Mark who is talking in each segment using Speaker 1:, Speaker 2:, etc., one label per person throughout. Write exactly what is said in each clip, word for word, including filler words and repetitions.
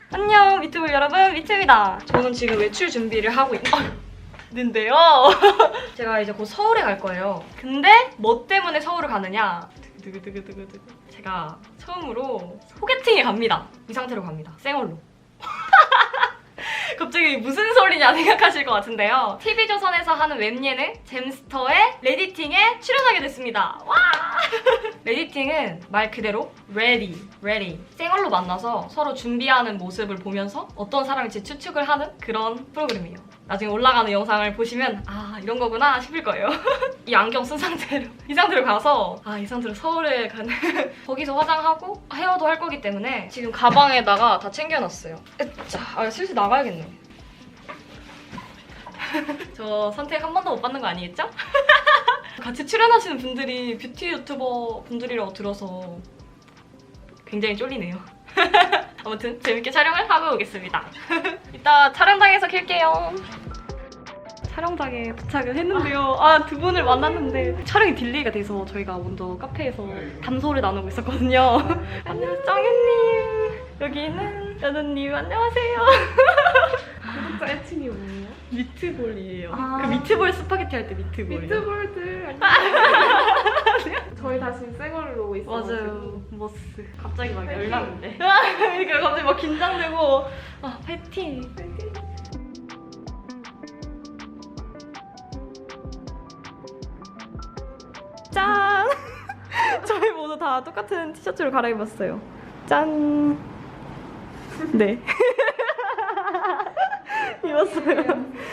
Speaker 1: 안녕 미트볼 여러분, 미트입니다. 저는 지금 외출 준비를 하고 있는데요. 제가 이제 곧 서울에 갈 거예요. 근데 뭐 때문에 서울을 가느냐? 두구두구두구두구. 제가 처음으로 소개팅에 갑니다. 이 상태로 갑니다. 생얼로. 갑자기 무슨 소리냐 생각하실 것 같은데요. 티비조선에서 하는 웹예능 잼스터의 레디팅에 출연하게 됐습니다. 와! 레디팅은 말 그대로 ready, ready. 생얼로 만나서 서로 준비하는 모습을 보면서 어떤 사람일지 추측을 하는 그런 프로그램이에요. 나중에 올라가는 영상을 보시면 아 이런 거구나 싶을 거예요. 이 안경 쓴 상태로 이 상태로 가서 아 이 상태로 서울에 가는 거기서 화장하고 헤어도 할 거기 때문에 지금 가방에다가 다 챙겨놨어요. 자, 아, 슬슬 나가야겠네. 저 선택 한 번도 못 받는 거 아니겠죠? 같이 출연하시는 분들이 뷰티 유튜버 분들이라고 들어서 굉장히 쫄리네요. 아무튼 재밌게 촬영을 하고 오겠습니다. 이따 촬영장에서 킬게요. 촬영장에 도착을 했는데요. 아, 두 분을 만났는데 촬영이 딜레이가 돼서 저희가 먼저 카페에서 담소를 나누고 있었거든요. 안녕, 정현님. 여기는 연우님, 안녕하세요.
Speaker 2: 구독자 애칭이 뭐예요?
Speaker 1: 미트볼이에요.
Speaker 2: 아.
Speaker 1: 그 미트볼 스파게티 할 때 미트볼.
Speaker 2: 미트볼들 안녕. 저희 다 지금 생얼로 있어가지고.
Speaker 1: 맞아요. 머스. 갑자기 막 열나는데. 그러니까 갑자기 막 긴장되고 아 파이팅. 짠. 저희 모두 다 똑같은 티셔츠를 갈아입었어요. 짠. 네. 입었어요.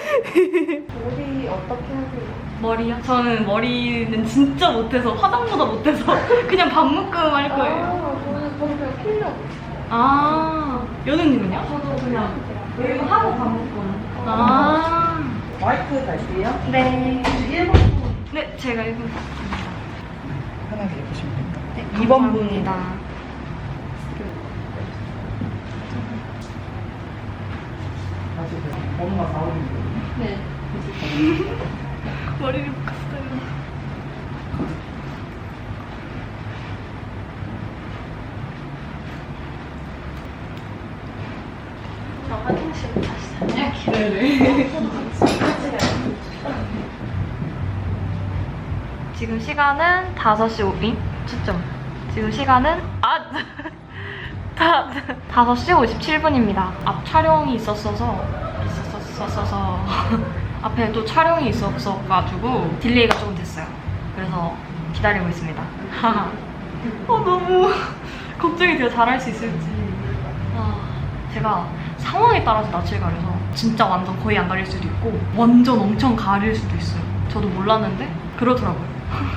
Speaker 2: 머리 어떻게 하세요?
Speaker 1: 머리요? 저는 머리는 진짜 못해서 화장보다 못해서 그냥 반묶음 할 거예요.
Speaker 2: 아, 저는 저는 그냥 필러.
Speaker 1: 아, 연우님은요?
Speaker 2: 저도 그냥
Speaker 1: 이거 하고 반묶음. 아,
Speaker 3: 마이크 갈게요.
Speaker 1: 네.
Speaker 2: 일 번
Speaker 1: 네, 제가 일 번.
Speaker 3: 편하게 해보시면 됩니다.
Speaker 1: 네,
Speaker 3: 이 번
Speaker 1: 감사합니다.
Speaker 3: 사실 엄마 사오는 거.
Speaker 1: 네. 머리를 묶었어요. 저 화장실 다시 다녀올게요. 네네. 지금 시간은 다섯 시 오 분. 초점. 지금 시간은 아! 다, 다섯 시 오십칠 분입니다. 앞 촬영이 있었어서 있었어서 앞에 또 촬영이 있었어가지고 딜레이가 조금 됐어요. 그래서 기다리고 있습니다. 어, 너무 걱정이 돼요. 잘할 수 있을지. 아, 제가 상황에 따라서 낯을 가려서 진짜 완전 거의 안 가릴 수도 있고 완전 엄청 가릴 수도 있어요. 저도 몰랐는데 그러더라고요.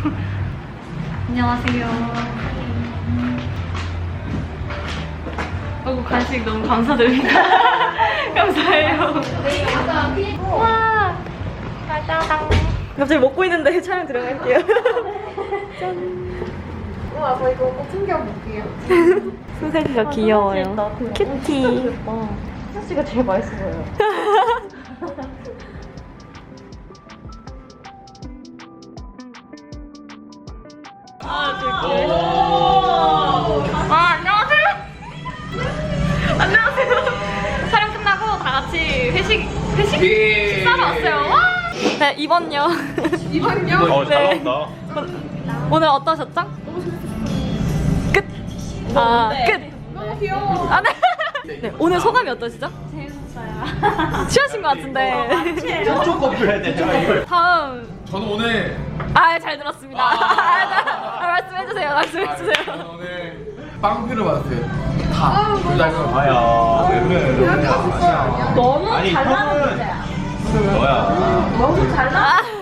Speaker 1: 안녕하세요. 아이고 간식 너무 감사드립니다. 감사해요. 와, 짜잔. 갑자기 먹고 있는데 촬영 들어갈게요. 짠.
Speaker 2: 우와, 저 이거 꼭 챙겨볼게요.
Speaker 1: 소세지가 귀여워요. 큐티.
Speaker 2: 소시가 제일 맛있어 보여요.
Speaker 1: 아, 안녕하세요. 안녕하세요. 촬영 끝나고 다 같이 회식, 회식? 식사로 왔어요. 와! 네, 이번요.
Speaker 2: 이번요?
Speaker 4: 어, 잘
Speaker 1: 네.
Speaker 4: 나온다.
Speaker 1: 오늘 어떠셨죠? 끝. 아, 끝.
Speaker 2: 너무 귀여워.
Speaker 1: 아, 네. 네, 오늘 소감이 어떠시죠? 재밌었어요. 취하신 것 같은데.
Speaker 4: 쪽 커플 해야 돼, 쪽 커플.
Speaker 1: 다음.
Speaker 5: 저는 오늘
Speaker 1: 아, 잘 들었습니다. 아, 말씀해주세요. 말씀해주세요.
Speaker 5: 저는 오늘 빵표를 받았어요. 다. 둘다 이거
Speaker 4: 아야, 왜 그래?
Speaker 2: 그렇게 하셨어요, 아니야?
Speaker 1: 너무
Speaker 4: 아니,
Speaker 1: 잘
Speaker 4: 형은
Speaker 1: 나왔는데.
Speaker 4: 너야.
Speaker 2: 너무 잘 나.
Speaker 1: 아.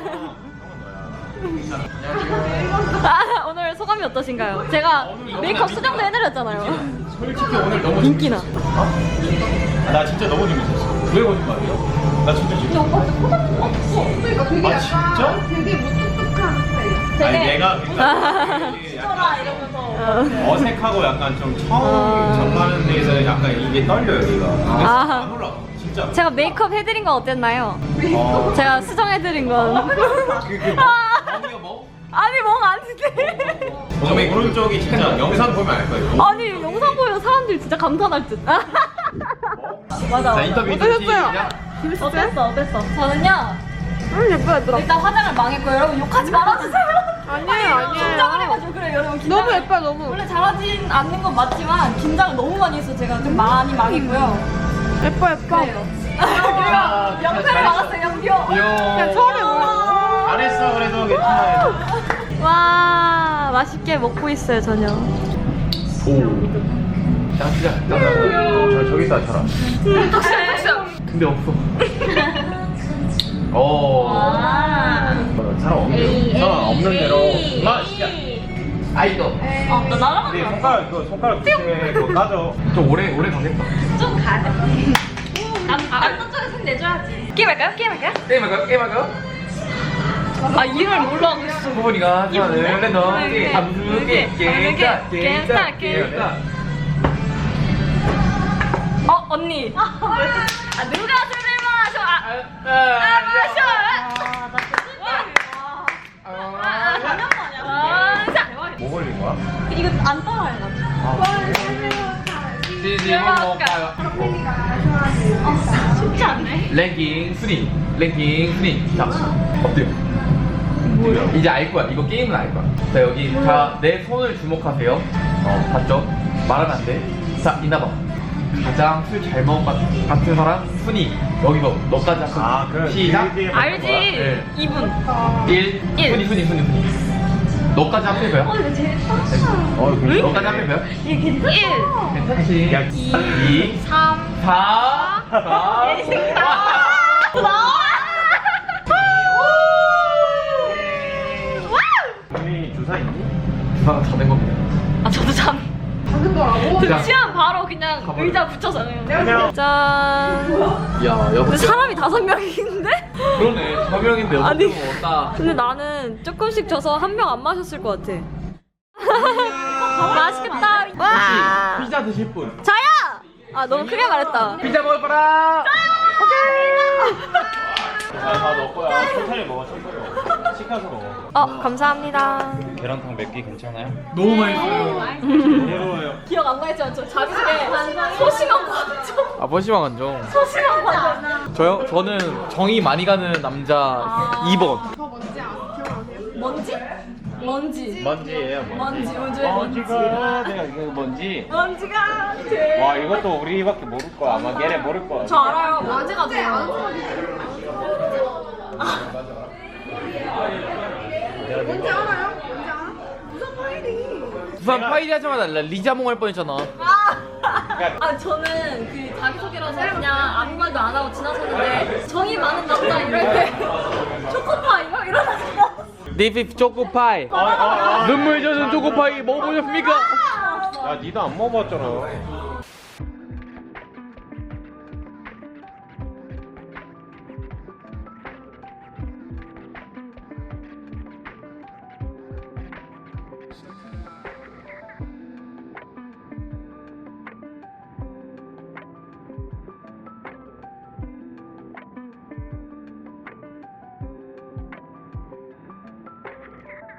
Speaker 1: 아, 오늘 소감이 어떠신가요? 제가 메이크업 수정도 해드렸잖아요.
Speaker 5: 솔직히 오늘 너무
Speaker 1: 인기나.
Speaker 4: 아, 나 진짜 너무 재밌었어. 왜 거짓말이야? 나 진짜 재밌었어.
Speaker 2: 오빠 포장도 없어. 그러니까 되게
Speaker 4: 아,
Speaker 2: 약간
Speaker 4: 진짜?
Speaker 2: 되게 무뚝뚝한 스타일.
Speaker 4: 아니, 내가 그러니까
Speaker 1: 쳐라 이러면서.
Speaker 4: 어색하고 약간 좀 처음
Speaker 1: 아.
Speaker 4: 접하는 데에서 약간 이게 떨려요, 여기가.
Speaker 1: 아.
Speaker 4: 안 올라가, 진짜.
Speaker 1: 제가 메이크업 해드린 건 어땠나요?
Speaker 4: 어.
Speaker 1: 제가 수정해드린 건.
Speaker 4: 그, 그, 멍이야, 멍?
Speaker 1: 아니 멍 아닌데.
Speaker 4: 저 오른쪽이 진짜 영상 보면 알 거예요.
Speaker 1: 아니 영상 보면 사람들이 진짜 감탄할 듯. 맞아.
Speaker 5: 자 인터뷰
Speaker 2: 어떠셨어요?
Speaker 5: 시작.
Speaker 1: 어땠어? 어땠어? 저는요.
Speaker 2: 음 예뻐 얘들아.
Speaker 1: 일단 화장을 망했고 여러분 욕하지 말아주세요.
Speaker 2: 아니에요
Speaker 1: 긴장을
Speaker 2: 아니에요.
Speaker 1: 해가지고 그래 여러분. 긴장을
Speaker 2: 너무 예뻐 너무.
Speaker 1: 원래 잘하진 않는 건 맞지만 긴장을 너무 많이 해서 제가 좀 많이 망했고요.
Speaker 2: 예뻐 예뻐.
Speaker 1: 그래요. 그리고 영표를 막았어요 영표.
Speaker 2: 그냥 처음에 뭐.
Speaker 4: 잘했어 그래도 괜찮아요.
Speaker 1: 와 맛있게 먹고 있어요 저녁.
Speaker 5: 오. 자 시작. 저 저기 있다 저라. 근데 없어. 오.
Speaker 4: 사람 없는 사람 없는 대로. 마 시작.
Speaker 5: 아이도.
Speaker 1: 어나 나가면
Speaker 4: 근데 손가락 그 손가락 밑에 그거 까져.
Speaker 5: 좀 오래 오래 가겠다.
Speaker 1: 좀 가야 돼. 남자 쪽에 손 내줘야지. 게임할까요? 게임할까요?
Speaker 5: 게임할까? 게임할까?
Speaker 1: 아 이름을 몰라 그랬어.
Speaker 5: 부모니가 하나를 내너
Speaker 1: 이렇게,
Speaker 5: 함께
Speaker 1: 이렇게,
Speaker 5: 게임다
Speaker 1: 이렇게,
Speaker 5: 게임다
Speaker 1: 게임다,
Speaker 5: 게임다.
Speaker 1: 어 언니. 아 누가 술을 마셔? 아, 아 마셔. 아나 진짜.
Speaker 4: 뭐 걸린 거야?
Speaker 1: 이거 안 따라해가지고.
Speaker 5: 지지 먹어봐요.
Speaker 1: 쉽지 않네.
Speaker 5: 랭킹 순위 랭킹 순위. 자 어때요? 뭐야? 이제 알 거야. 이거 게임은 알 거야. 자 여기 자 내 손을 주목하세요. 어 봤죠? 말하면 안 돼. 자 이나봐. 가장 술 잘 먹은 것 같은 사람 순위 여기서 너까지 할 거야.
Speaker 4: 아, 그래.
Speaker 5: 시작.
Speaker 4: 그
Speaker 1: 알지.
Speaker 5: 네.
Speaker 1: 이 분.
Speaker 5: 일
Speaker 1: 일.
Speaker 5: 순위 순위 순위 순위. 너까지 합해봐요.
Speaker 1: 이거 제일 빡.
Speaker 4: 어 이거
Speaker 5: 너까지 합해봐요.
Speaker 1: 이게 괜찮아. 일.
Speaker 5: 괜찮지?
Speaker 4: 야,
Speaker 5: 이,
Speaker 1: 삼.
Speaker 5: 사, 사,
Speaker 1: 나와.
Speaker 4: 언니 주사 있니?
Speaker 5: 주사가 다 된 겁니다.
Speaker 1: 아 저도 참.
Speaker 2: 작은 거라고?
Speaker 5: 자,
Speaker 1: 취한 바로 그냥
Speaker 5: 가버려.
Speaker 1: 의자 붙여서 그냥.
Speaker 4: 안녕.
Speaker 1: 짠.
Speaker 5: 야,
Speaker 1: 근데
Speaker 5: 역시
Speaker 1: 사람이 다섯 명인데?
Speaker 5: 그러네. 저 명인데 여섯
Speaker 1: 아니.
Speaker 5: 명 없다.
Speaker 1: 근데 나는 조금씩 져서 한 명 안 마셨을 것 같아. 맛있겠다. 와.
Speaker 5: 피자 드실 분.
Speaker 1: 자야. 아 너무 크게 말했다.
Speaker 5: 피자 먹을 거라.
Speaker 4: 다 넣을 거야. 천천히 먹어 천천히 먹어. 시켜서 먹어.
Speaker 1: 어 감사합니다.
Speaker 4: 계란탕 맵기 괜찮아요?
Speaker 5: 너무 맛있어요.
Speaker 4: 괴로워요.
Speaker 1: 기억 안 나겠지만 저 자기소개 소심한 관점.
Speaker 5: 아, 버시방 안정.
Speaker 1: 소심한 관점.
Speaker 5: 저요? 저는 정이 많이 가는 남자
Speaker 1: 아.
Speaker 5: 이 번.
Speaker 2: 저 뭔지 아, 기억나세요?
Speaker 1: 먼지? 먼지.
Speaker 4: 먼지예요 먼지.
Speaker 1: 먼지 먼지 먼지.
Speaker 4: 먼지가 내가 이거 뭔지.
Speaker 1: 먼지가 돼.
Speaker 4: 와 이것도 우리밖에 모를 거야. 아마 걔네 모를 거야.
Speaker 1: 저 알아요. 먼지가 돼요.
Speaker 2: 뭔지 알아요? 뭔지 알아? 무슨 파일이?
Speaker 5: 부산 파이리 하자마자 리자몽 할 뻔했잖아.
Speaker 1: 아 저는 그 자기소개라서 그냥 아무 말도 안 하고 지나쳤는데 정이 많은 남자 이럴 때 초코파 이거 이러다가
Speaker 5: 네이프 초코파이.
Speaker 4: 아, 아, 아.
Speaker 5: 눈물 젖은 초코파이 먹어보셨습니까?
Speaker 4: 야 니도 안 먹어봤잖아.